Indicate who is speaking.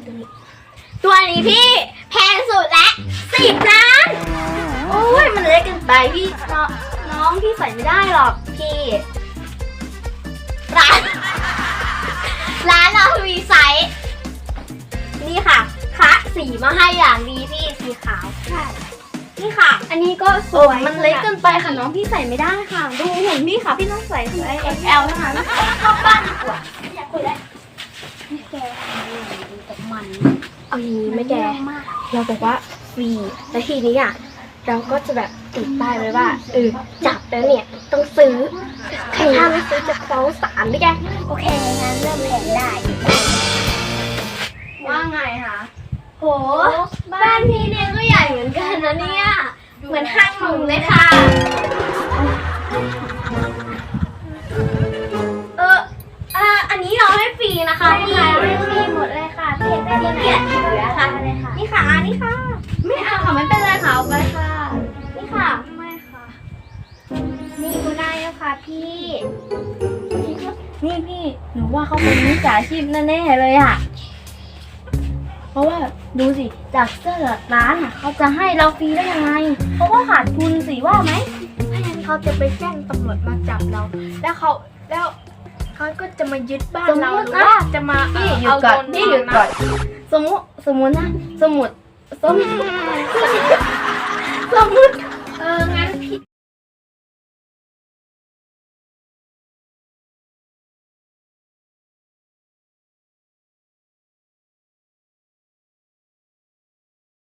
Speaker 1: ตัวนี้พี่แพงสุดและ10 ล้าน โอ้ยมันเล็กเกินไปพี่น้องพี่ใส่ไม่ได้หรอกพี่ร้านเรามีไซส์นี่ค่ะคะสีมาให้อย่างดีพี่สีขาวใช่นี่ค่ะ อันนี้ก็สวยมันเล็กเกินไปค่ะน้องพี่ใส่ไม่ได้ค่ะดูหุ่นพี่ค่ะพี่ต้องใส่ไซส์ XL นะคะเข้าบ้านดีกว่าอยากคุยแล้วแกดูแต่มันเอาอย่างนี้ไม่แกเราบอกว่าฟรีแล้วทีนี้เราก็จะแบบติดป้ายไว้ว่าจับแล้วเนี่ยต้องซื้อถ้าไม่ซื้อจะฟ้องศาลด้วยแกโอเคงั้นเริ่มแผนได้ว่าไงคะโหบ้านพี่เนี่ยก็ใหญ่เหมือนกันนะเนี่ยเหมือนห้างหมูเลยค่ะอันนี้เราให้ฟรีนะคะพี่ให้ฟรีหมดเลยค่ะพี่ได้ที่เกียรติเหลือค่ะนี่ค่ะนี่ค่ะไม่เอาค่ะไม่เป็นไรค่ะเอาไปค่ะนี่ค่ะไม่ค่ะนี่ก็ได้แล้วค่ะพี่
Speaker 2: นี่พี่หนูว่าเขาเป็นมิจฉาชีพแน่ๆเลยอ่ะเพราะว่าดูสิจากเสื้อร้านเขาจะให้เราฟรีได้ยังไงเพราะว่าขาดทุนสิว่าไหม
Speaker 1: ถ้างั้นเขาจะไปแจ้งตำรวจมาจับเราแล้วเขาก็จะมายึดบ้านเราหรือว่าจะมา
Speaker 2: เอาเงินนี่หยุดก่อนสมมุตินะสมมุติ